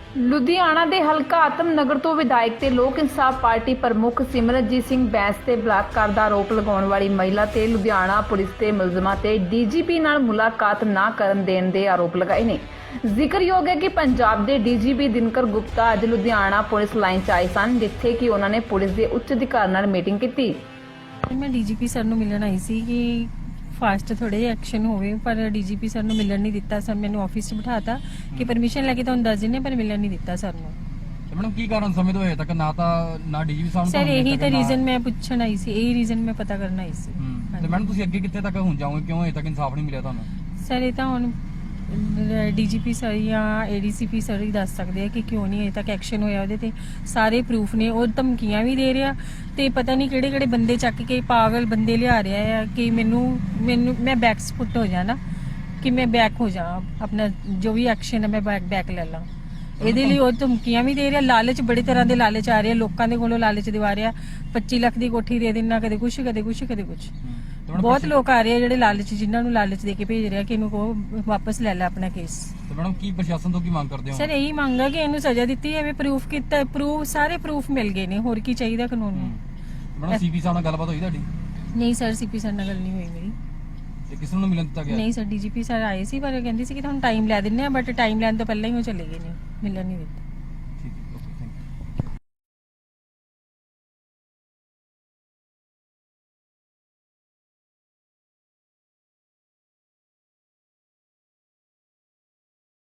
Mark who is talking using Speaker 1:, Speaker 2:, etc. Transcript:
Speaker 1: ਲੁਧਿਆਣਾ ਦੇ ਹਲਕਾ ਆਤਮਨਗਰ ਤੋਂ ਵਿਧਾਇਕ ਤੇ ਲੋਕ ਇਨਸਾਫ ਪਾਰਟੀ ਪ੍ਰਮੁੱਖ ਸਿਮਰਨਜੀਤ ਸਿੰਘ ਬੈਂਸ ਤੇ ਬਲਾਤਕਾਰ ਦਾ ਆਰੋਪ ਲਗਾਉਣ ਵਾਲੀ ਮਹਿਲਾ ਤੇ ਲੁਧਿਆਣਾ ਪੁਲਿਸ ਦੇ ਮੁਲਜ਼ਮਾਂ ਤੇ ਡੀਜੀਪੀ ਨਾਲ ਮੁਲਾਕਾਤ ਨਾ ਕਰਨ ਦੇਣ ਦੇ ਆਰੋਪ ਲਗਾਏ ਨੇ। ਜ਼ਿਕਰਯੋਗ ਹੈ ਕਿ ਪੰਜਾਬ ਦੇ ਡੀਜੀਪੀ ਦਿਨਕਰ ਗੁਪਤਾ ਅੱਜ ਲੁਧਿਆਣਾ ਪੁਲਿਸ ਲਾਈਨ 'ਚ ਆਏ ਸਨ, ਜਿੱਥੇ ਕਿ ਉਹਨਾਂ ਨੇ ਪੁਲਿਸ ਦੇ ਉੱਚ ਅਧਿਕਾਰੀ ਨਾਲ ਮੀਟਿੰਗ ਕੀਤੀ।
Speaker 2: मैं डीजीपी सर ਨੂੰ ਮਿਲਣ ਆਈ ਸੀ ਕਿ ਫਾਸਟ ਥੋੜੇ ਐਕਸ਼ਨ ਹੋਵੇ, ਪਰ ਡੀਜੀਪੀ ਸਰ ਨੂੰ ਮਿਲਣ ਨਹੀਂ ਦਿੱਤਾ। ਸਰ ਮੈਨੂੰ ਆਫਿਸ 'ਚ ਬਿਠਾਤਾ ਕਿ ਪਰਮਿਸ਼ਨ ਲੈ ਕੇ ਤੁਹਾਨੂੰ ਦੱਸ ਦਿੰਨੇ, ਪਰ ਮਿਲਣ ਨਹੀਂ ਦਿੱਤਾ ਸਰ ਨੂੰ।
Speaker 3: ਮੈਡਮ ਕੀ ਕਾਰਨ ਸਮੇਂ ਤੋਂ ਹਜੇ ਤੱਕ ਨਾ ਡੀਜੀਪੀ ਸਾਹਿਬ ਨੂੰ
Speaker 2: ਸਰ ਇਹੀ ਤਾਂ ਰੀਜ਼ਨ ਮੈਂ ਪੁੱਛਣ ਆਈ ਸੀ, ਇਹੀ ਰੀਜ਼ਨ ਮੈਂ ਪਤਾ ਕਰਨ ਆਈ ਸੀ।
Speaker 3: ਤੇ ਮੈਡਮ ਤੁਸੀਂ ਅੱਗੇ ਕਿੱਥੇ ਤੱਕ ਹੁਣ ਜਾਓਗੇ, ਕਿਉਂ ਹਜੇ ਤੱਕ ਇਨਸਾਫ ਨਹੀਂ ਮਿਲਿਆ ਤੁਹਾਨੂੰ?
Speaker 2: ਸਰ ਇਹ ਤਾਂ ਹੁਣ ਡੀਜੀਪੀ ਸਰ ਜਾਂ ਏਡੀਸੀਪੀ ਸਰ ਹੀ ਦੱਸ ਸਕਦੇ ਆ ਕਿ ਕਿਉਂ ਨਹੀਂ ਅਜੇ ਤੱਕ ਐਕਸ਼ਨ ਹੋਇਆ। ਉਹਦੇ ਤੇ ਸਾਰੇ ਪ੍ਰੂਫ ਨੇ, ਉਹ ਧਮਕੀਆਂ ਵੀ ਦੇ ਰਿਹਾ ਤੇ ਪਤਾ ਨਹੀਂ ਕਿਹੜੇ ਕਿਹੜੇ ਬੰਦੇ ਚੱਕ ਕੇ ਪਾਗਲ ਬੰਦੇ ਲਿਆ ਰਿਹਾ ਆ ਕਿ ਮੈਨੂੰ ਮੈਂ ਬੈਕ ਸਪੁੱਟ ਹੋ ਜਾਣਾ, ਕਿ ਮੈਂ ਬੈਕ ਹੋ ਜਾ, ਆਪਣਾ ਜੋ ਵੀ ਐਕਸ਼ਨ ਹੈ ਮੈਂ ਬੈਕ ਲੈ ਲਾਂ। ਇਹਦੇ ਲਈ ਉਹ ਧਮਕੀਆਂ ਵੀ ਦੇ ਰਿਹਾ, ਲਾਲਚ ਬੜੇ ਤਰ੍ਹਾਂ ਦੇ ਲਾਲਚ ਆ ਰਹੇ, ਲੋਕਾਂ ਦੇ ਕੋਲੋਂ ਲਾਲਚ ਦਿਵਾ ਰਿਹਾ। 25 ਲੱਖ ਦੀ ਕੋਠੀ ਦੇ ਦੇਣਾ, ਕਦੇ ਕੁਛ ਕਦੇ ਕੁਛ ਕਦੇ ਕੁਛ। ਬਹੁਤ ਲੋਕ ਆ ਰਹੇ ਆ ਜਿਹੜੇ ਲਾਲਚ, ਜਿਨ੍ਹਾਂ ਨੂੰ ਲਾਲਚ ਦੇ ਕੇ ਭੇਜ ਰਿਹਾ ਕਿ ਇਹਨੂੰ ਕਹੋ ਵਾਪਸ ਲੈ ਲੈ ਆਪਣਾ ਕੇਸ।
Speaker 3: ਤੇ ਮੈਡਮ ਕੀ ਪ੍ਰਸ਼ਾਸਨ ਤੋਂ ਕੀ ਮੰਗ ਕਰਦੇ ਹੋ?
Speaker 2: ਸਰ ਇਹੀ ਮੰਗ ਹੈ ਕਿ ਇਹਨੂੰ ਸਜ਼ਾ ਦਿੱਤੀ ਜਾਵੇ, ਪ੍ਰੂਫ ਕੀਤਾ, ਸਾਰੇ ਪ੍ਰੂਫ ਮਿਲ ਗਏ ਨੇ, ਹੋਰ ਕੀ ਚਾਹੀਦਾ ਕਾਨੂੰਨ ਨੂੰ।
Speaker 3: ਮੈਡਮ ਸੀਪੀ ਸਾਹਿਬ ਨਾਲ ਗੱਲਬਾਤ ਹੋਈ ਤੁਹਾਡੀ?
Speaker 2: ਨਹੀਂ ਸਰ, ਸੀਪੀ ਸਰ ਨਾਲ ਗੱਲ ਨਹੀਂ ਹੋਈ ਮੇਰੀ।
Speaker 3: ਤੇ ਕਿਸ ਨੂੰ ਮਿਲਣ ਦਿੱਤਾ ਗਿਆ?
Speaker 2: ਨਹੀਂ ਸਰ, ਡੀਜੀਪੀ ਸਰ ਆਏ ਸੀ ਪਰ ਕਹਿੰਦੇ ਸੀ ਕਿ ਤੁਹਾਨੂੰ ਟਾਈਮ ਲੈ ਦਿੰਨੇ ਆ, ਬਟ ਟਾਈਮ ਲੈਣ ਤੋਂ ਪਹਿਲਾਂ ਹੀ ਉਹ ਚਲੇ ਗਏ ਨੇ, ਮਿਲਣ ਨਹੀਂ ਦਿੱਤਾ।